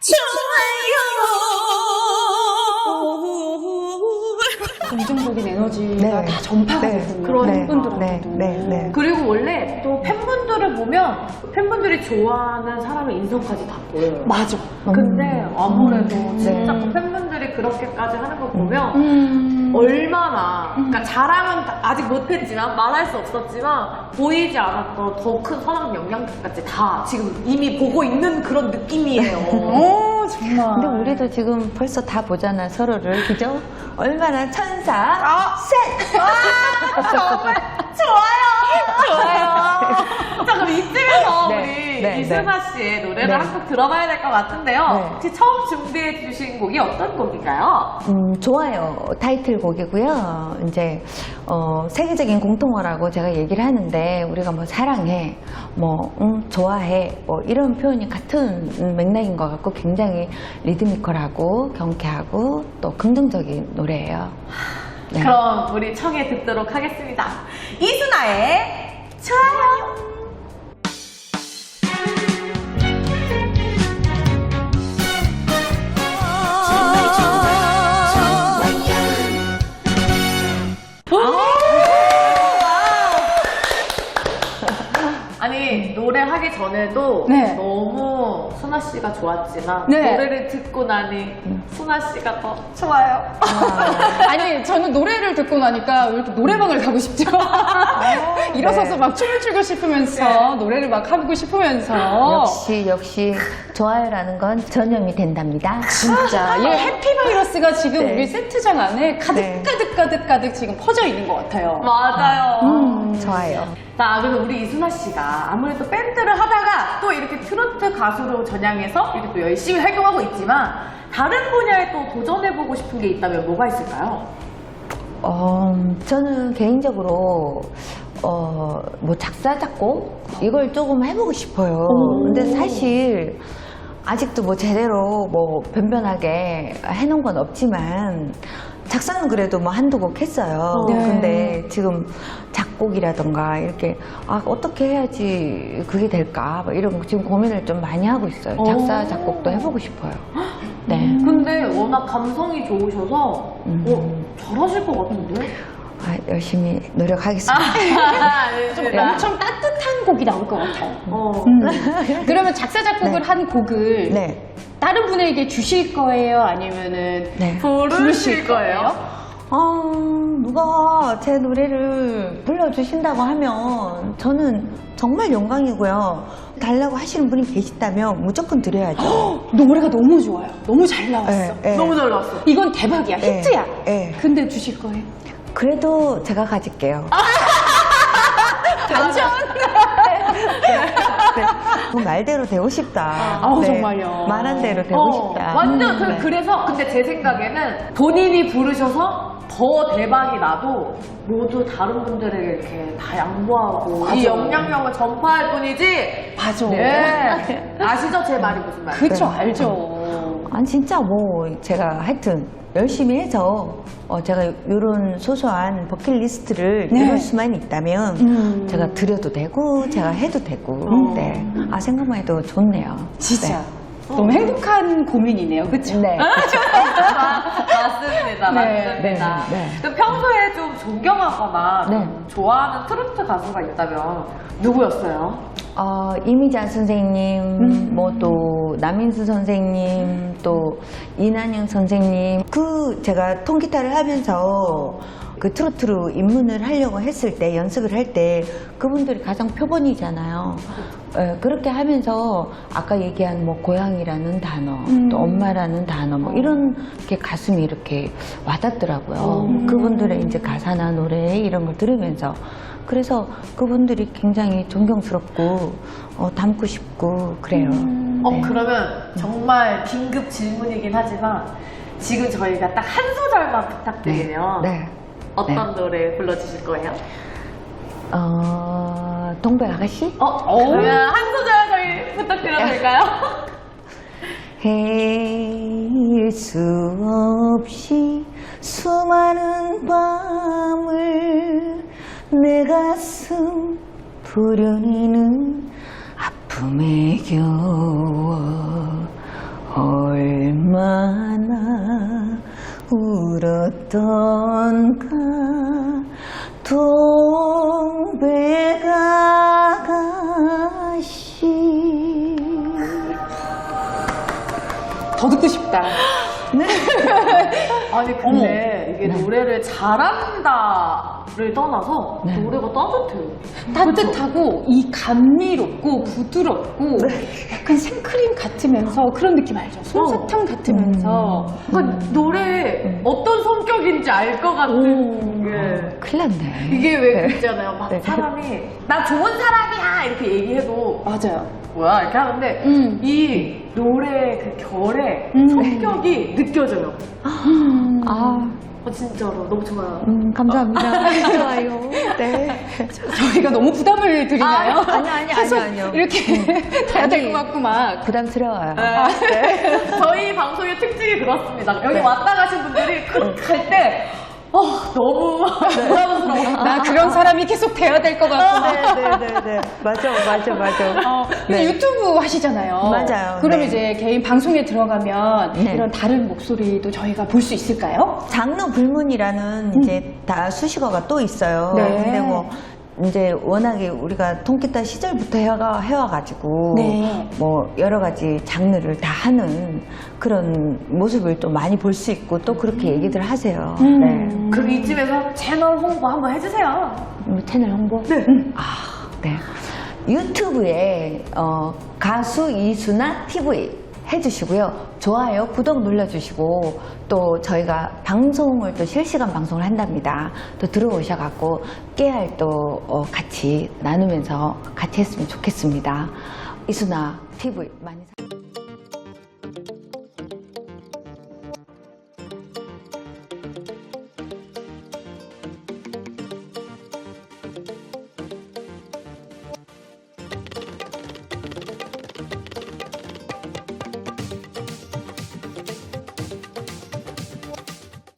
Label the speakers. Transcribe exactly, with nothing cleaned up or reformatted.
Speaker 1: 긍정적인 에너지가
Speaker 2: 네.
Speaker 1: 다 전파가
Speaker 2: 네.
Speaker 1: 되군요.
Speaker 3: 그런
Speaker 1: 팬분들한테도.
Speaker 2: 네, 네, 네.
Speaker 3: 그리고 원래 또 팬분들을 보면 팬분들이 좋아하는 사람의 인성까지 다 보여요.
Speaker 1: 맞아.
Speaker 3: 근데 아무래도
Speaker 2: 음,
Speaker 3: 진짜
Speaker 2: 네.
Speaker 3: 그 팬분들이 그렇게까지 하는 거 보면
Speaker 1: 음.
Speaker 3: 얼마나 그러니까 자랑은 아직 못했지만 말할 수 없었지만 보이지 않았던 더 큰 선한 영향력까지 다 지금 이미 보고 있는 그런 느낌이에요.
Speaker 1: 오, 정말.
Speaker 2: 근데 우리도 지금 벌써 다 보잖아, 서로를. 그죠? 얼마나 천사.
Speaker 3: 아,
Speaker 2: 셋!
Speaker 3: 아, 정말 좋아요. 좋아요. 자, 그럼 이쯤에서
Speaker 2: 네,
Speaker 3: 우리
Speaker 2: 네,
Speaker 3: 이승아 씨의 노래를
Speaker 2: 네.
Speaker 3: 한 곡 들어봐야 될 것 같은데요.
Speaker 2: 네.
Speaker 3: 혹시 처음 준비해 주신 곡이 어떤 곡인가요?
Speaker 2: 음, 좋아요. 타이틀곡이고요. 이제, 어, 세계적인 공통어라고 제가 얘기를 하는데, 우리가 뭐 사랑해, 뭐, 음, 좋아해, 뭐, 이런 표현이 같은 맥락인 것 같고, 굉장히 리드미컬하고, 경쾌하고, 또 긍정적인 노래예요. 네.
Speaker 3: 그럼 우리 청해 듣도록 하겠습니다. 이순아의 좋아요. 아니 노래하기 전에도
Speaker 1: 네.
Speaker 3: 너무 순아 씨가 좋았지만
Speaker 1: 네.
Speaker 3: 노래를 듣고 나니 순아 씨가 더 좋아요.
Speaker 1: 아니, 저는 노래를 듣고 나니까 왜 이렇게 노래방을 가고 싶죠? 일어서서
Speaker 2: 네.
Speaker 1: 막 춤을 추고 싶으면서,
Speaker 3: 네.
Speaker 1: 노래를 막 하고 싶으면서.
Speaker 2: 역시, 역시, 좋아요라는 건 전염이 된답니다.
Speaker 1: 진짜. 이 해피바이러스가 지금
Speaker 2: 네.
Speaker 1: 우리 세트장 안에 가득,
Speaker 2: 네.
Speaker 1: 가득, 가득, 가득 지금 퍼져 있는 것 같아요.
Speaker 3: 맞아요.
Speaker 2: 음, 좋아요.
Speaker 3: 자, 그래서 우리 이순아 씨가 아무래도 밴드를 하다가 또 이렇게 트로트 가수로 전향해서 이렇게 또 열심히 활동하고 있지만 다른 분야에 또 도전해보고 싶은 게 있다면 뭐가 있을까요?
Speaker 2: 어, 저는 개인적으로 어, 뭐 작사 작곡 이걸 조금 해보고 싶어요. 근데 사실 아직도 뭐 제대로 뭐 변변하게 해놓은 건 없지만 작사는 그래도 뭐 한두 곡 했어요.
Speaker 1: 네.
Speaker 2: 근데 지금 작곡이라던가 이렇게 아 어떻게 해야지 그게 될까 뭐 이런 거 지금 고민을 좀 많이 하고 있어요. 작사 작곡도 해보고 싶어요. 네.
Speaker 3: 근데 워낙 감성이 좋으셔서
Speaker 2: 음.
Speaker 3: 어, 잘하실 것 같은데?
Speaker 2: 아, 열심히 노력하겠습니다.
Speaker 1: 좀
Speaker 3: 네.
Speaker 1: 엄청 따뜻한 곡이 나올 것 같아요.
Speaker 3: 어.
Speaker 1: 그러면 작사, 작곡을
Speaker 2: 네.
Speaker 1: 한 곡을
Speaker 2: 네.
Speaker 1: 다른 분에게 주실 거예요? 아니면은
Speaker 2: 네.
Speaker 3: 부르실 거예요?
Speaker 2: 어, 누가 제 노래를 불러주신다고 하면 저는 정말 영광이고요. 달라고 하시는 분이 계시다면 무조건 드려야죠.
Speaker 1: 노래가 너무 좋아요. 너무 잘 나왔어.
Speaker 2: 네, 네.
Speaker 3: 너무 잘 나왔어.
Speaker 1: 이건 대박이야.
Speaker 2: 네,
Speaker 1: 히트야.
Speaker 2: 네.
Speaker 1: 근데 주실 거예요?
Speaker 2: 그래도 제가 가질게요.
Speaker 1: 완전.
Speaker 2: 네. 그 말대로 되고 싶다.
Speaker 1: 아우, 정말요.
Speaker 2: 말한 대로 되고
Speaker 3: 어,
Speaker 2: 싶다.
Speaker 3: 완전
Speaker 2: 음,
Speaker 3: 그,
Speaker 2: 네.
Speaker 3: 그래서 근데 제 생각에는 본인이 부르셔서 더 대박이 나도 모두 다른 분들에게 이렇게 다 양보하고 이
Speaker 1: 맞아.
Speaker 3: 영향력을 전파할 뿐이지.
Speaker 1: 맞아.
Speaker 3: 네. 아시죠? 제 말이 무슨 말인지.
Speaker 1: 그쵸,
Speaker 2: 네.
Speaker 1: 알죠.
Speaker 2: 아니 진짜 뭐 제가 하여튼 열심히 해서 어, 제가 이런 소소한 버킷리스트를
Speaker 1: 네.
Speaker 2: 이룰 수만 있다면
Speaker 1: 음.
Speaker 2: 제가 드려도 되고 제가 해도 되고
Speaker 3: 어.
Speaker 2: 네. 아 생각만 해도 좋네요.
Speaker 1: 진짜. 너무 행복한 고민이네요. 그쵸?
Speaker 2: 네.
Speaker 3: 맞습니다.
Speaker 1: 네.
Speaker 3: 맞습니다.
Speaker 2: 네, 네.
Speaker 3: 그럼 평소에 좀 존경하거나
Speaker 2: 네.
Speaker 3: 좀 좋아하는 트로트 가수가 있다면 누구였어요?
Speaker 2: 어, 이미자 선생님,
Speaker 1: 음.
Speaker 2: 뭐 또 남인수 선생님, 또 이난영 선생님. 그 제가 통기타를 하면서 그 트로트로 입문을 하려고 했을 때 연습을 할 때 그분들이 가장 표본이잖아요. 예, 그렇게 하면서 아까 얘기한 뭐 고향이라는 단어,
Speaker 1: 음.
Speaker 2: 또 엄마라는 단어, 뭐 이런 게 가슴이 이렇게 와닿더라고요.
Speaker 1: 음.
Speaker 2: 그분들의 이제 가사나 노래 이런 걸 들으면서 그래서 그분들이 굉장히 존경스럽고 어, 닮고 싶고 그래요.
Speaker 3: 어,
Speaker 2: 네.
Speaker 3: 그러면 정말 긴급 질문이긴 하지만 지금 저희가 딱 한 소절만 부탁드리면
Speaker 2: 네.
Speaker 3: 어떤 노래 불러주실 거예요?
Speaker 2: 어, 동백 아가씨?
Speaker 3: 어, 그러면 한 소절 저희 부탁드려도 될까요?
Speaker 2: 헤일 수 없이 수많은 밤을 내 가슴 부려내는 아픔에 겨워 어떤가 동백아가씨.
Speaker 1: 더 듣고 싶다.
Speaker 3: 아니 근데 이게 노래를 잘한다를 떠나서
Speaker 2: 네.
Speaker 3: 노래가 따뜻해요.
Speaker 1: 따뜻하고 이 감미롭고 부드럽고 약간 생크림 같으면서 그런 느낌 알죠? 솜사탕 같으면서
Speaker 3: 그러니까 노래 어떤 성격인지 알 것 같은 게
Speaker 2: 큰일 났네.
Speaker 3: 이게 왜 그러잖아요. 막
Speaker 2: 네.
Speaker 3: 사람이 나 좋은 사람이야 이렇게 얘기해도
Speaker 1: 맞아요.
Speaker 3: 뭐야 이렇게 하는데
Speaker 1: 음.
Speaker 3: 이 노래 그 결의
Speaker 1: 음.
Speaker 3: 성격이 느껴져요.
Speaker 2: 아,
Speaker 3: 어, 진짜로 너무 좋아요.
Speaker 2: 음, 감사합니다. 좋아요. 네.
Speaker 1: 저희가 너무 부담을 드리나요?
Speaker 2: 아, 아니요, 아니요,
Speaker 1: 계속
Speaker 2: 아니요, 아니요.
Speaker 1: 이렇게 돼야 될
Speaker 2: 아니.
Speaker 1: 것 같고 막.
Speaker 2: 부담스러워요.
Speaker 3: 네. 저희 방송의 특징이 그렇습니다. 여기
Speaker 2: 네.
Speaker 3: 왔다 가신 분들이 갈 때 어, 너무 부담스러워.
Speaker 1: 나 그런 사람이 계속 돼야 될 것 같고.
Speaker 2: 네네네네. 맞아, 맞아, 맞아.
Speaker 1: 어, 근데
Speaker 2: 네.
Speaker 1: 유튜브 하시잖아요.
Speaker 2: 맞아요.
Speaker 1: 그럼
Speaker 2: 네.
Speaker 1: 이제 개인 방송에 들어가면
Speaker 2: 네.
Speaker 1: 이런 다른 목소리도 저희가 볼 수 있을까요?
Speaker 2: 장르 불문이라는 이제 다 수식어가 또 있어요.
Speaker 1: 네.
Speaker 2: 근데 뭐 이제 워낙에 우리가 통기타 시절부터 해와, 해와가지고
Speaker 1: 네.
Speaker 2: 뭐 여러 가지 장르를 다 하는 그런 모습을 또 많이 볼 수 있고 또 그렇게 얘기들 하세요.
Speaker 1: 음.
Speaker 2: 네.
Speaker 3: 그럼 이쯤에서 채널 홍보 한번 해주세요.
Speaker 2: 뭐 채널 홍보?
Speaker 3: 네.
Speaker 2: 아, 네. 유튜브에 어, 가수 이수나 티비 해주시고요. 좋아요, 구독 눌러주시고 또 저희가 방송을 또 실시간 방송을 한답니다. 또 들어오셔갖고 깨알 또 어, 같이 나누면서 같이 했으면 좋겠습니다. 이수나 티비 많이 사...